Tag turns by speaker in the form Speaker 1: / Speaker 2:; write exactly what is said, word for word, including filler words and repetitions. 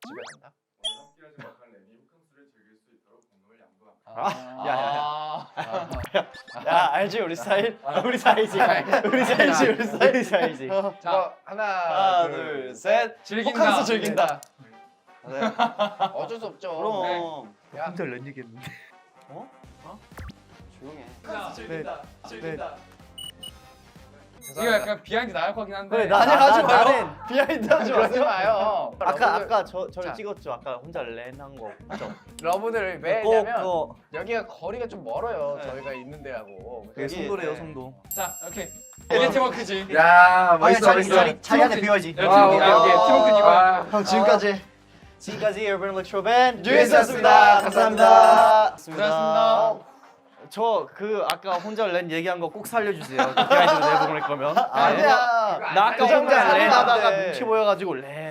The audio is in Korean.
Speaker 1: 집에 간다.
Speaker 2: 함께하지 못한 렌이 호캉스를 즐길 수 있도록 공동을 양도합니다.
Speaker 1: 아,
Speaker 3: 야야야.
Speaker 1: 야 알지 우리 스타일?
Speaker 3: 우리 사이지.
Speaker 1: 우리 사이지 우리 스타일.
Speaker 3: 우리 사이지.
Speaker 1: 자
Speaker 4: 어,
Speaker 1: 하나,
Speaker 3: 하나,
Speaker 1: 둘,
Speaker 3: 둘,
Speaker 1: 셋.
Speaker 3: 즐긴다.
Speaker 1: 호캉스 즐긴다.
Speaker 4: 네. 어쩔 수 없죠.
Speaker 3: 그럼.
Speaker 1: 야
Speaker 4: 혼자 렌 얘기했는데.
Speaker 3: 조용해.
Speaker 1: 호캉스 즐긴다. 즐긴다.
Speaker 5: 이거 약간 비하인드 나올 것 같긴 한데.
Speaker 3: 그래, 나-
Speaker 1: 아니 하지 마요.
Speaker 3: 나는-
Speaker 1: 비하인드 하지
Speaker 4: 그러지
Speaker 1: 마세요.
Speaker 4: 마요.
Speaker 3: 아까 아까 저 저를
Speaker 1: 자.
Speaker 3: 찍었죠. 아까 혼자 렌 한 거. 그죠?
Speaker 1: 러브들 왜
Speaker 3: 꼭
Speaker 1: 했냐면
Speaker 3: 그거
Speaker 1: 여기가 거리가 좀 멀어요.
Speaker 3: 네.
Speaker 1: 저희가 있는 데하고.
Speaker 3: 그게
Speaker 1: 여기,
Speaker 3: 송도래요,
Speaker 1: 네.
Speaker 3: 송도.
Speaker 5: 자, 오케이. 이게 팀워크지.
Speaker 4: 야 멋있어
Speaker 3: 자리
Speaker 4: 멋있어.
Speaker 3: 자리 자리 안에
Speaker 5: 팀워크.
Speaker 3: 비워야지.
Speaker 5: 야, 팀워크. 아, 오케이. 팀워크 이거.
Speaker 1: 형 지금까지
Speaker 3: 지금까지 urban electro band
Speaker 1: 뉴에스였습니다.
Speaker 3: 감사합니다.
Speaker 5: 고생하셨습니다.
Speaker 3: 저 그 아까 혼자 렌 얘기한 거 꼭 살려주세요. 비하인드 내보낼 거면.
Speaker 1: 아니야.
Speaker 3: 나 아까
Speaker 1: 그 정도는
Speaker 3: 혼자 렌 하다가
Speaker 1: 아닌데.
Speaker 3: 눈치 보여가지고 렌